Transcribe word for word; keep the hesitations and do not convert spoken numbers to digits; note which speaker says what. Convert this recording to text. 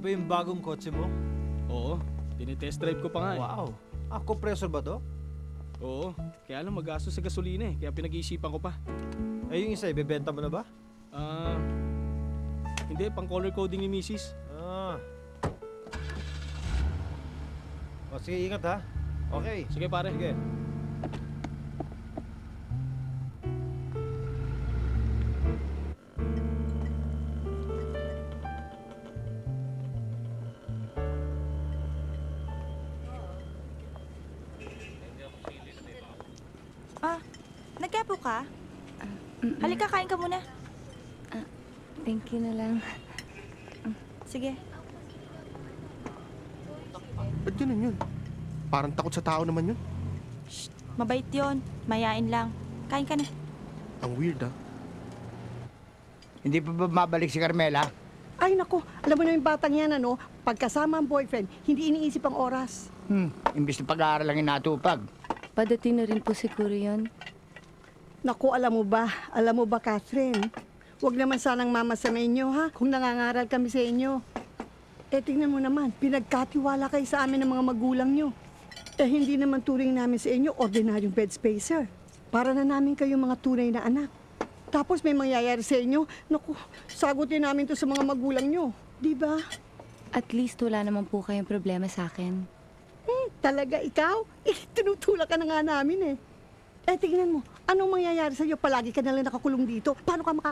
Speaker 1: ba yung bagong kotse mo?
Speaker 2: Oo, tinitest drive ko pa nga eh.
Speaker 1: Wow. Ah, compressor ba to?
Speaker 2: Oo, kaya lang magastos sa gasolina eh, kaya pinag-iisipan ko pa.
Speaker 1: Eh, yung isa, ibebenta mo na ba?
Speaker 2: Ah, hindi, pang color coding ni misis.
Speaker 1: Ah. O, sige, ingat ha. Okay.
Speaker 2: Sige pare.
Speaker 1: Sige.
Speaker 3: Ah, nagkapo ka? Halika, kain ka muna.
Speaker 4: Thank you na lang.
Speaker 3: Sige.
Speaker 5: Ba't ganun yun? Parang takot sa tao naman yun.
Speaker 3: Mabait yon. Mayain lang. Kain ka na.
Speaker 5: Ang weird ah.
Speaker 6: Hindi pa ba mabalik si Carmela?
Speaker 7: Ay nako, alam mo na yung batang yan ano, pagkasama ang boyfriend, hindi iniisip ang oras.
Speaker 6: Hmm, imbis na pag-aaral lang inatupag.
Speaker 4: Padating na rin po siguro yun.
Speaker 7: Naku, alam mo ba, alam mo ba Catherine, huwag naman sanang mama sa inyo ha, kung nangangaral kami sa inyo. Eh tingnan mo naman, pinagkatiwala kayo sa amin ng mga magulang nyo. Eh hindi naman turing namin sa inyo ordinaryong bed spacer. Para na namin kayong mga tunay na anak. Tapos may mangyayari sa inyo, naku, sagutin namin to sa mga magulang nyo. Di ba?
Speaker 4: At least wala naman po kayong problema sa akin.
Speaker 7: Hmm, talaga ikaw? Eh, tinutulak ka na nga namin eh. Eh, tingnan mo, anong mangyayari sa'yo? Palagi ka nalang nakakulong dito. Paano ka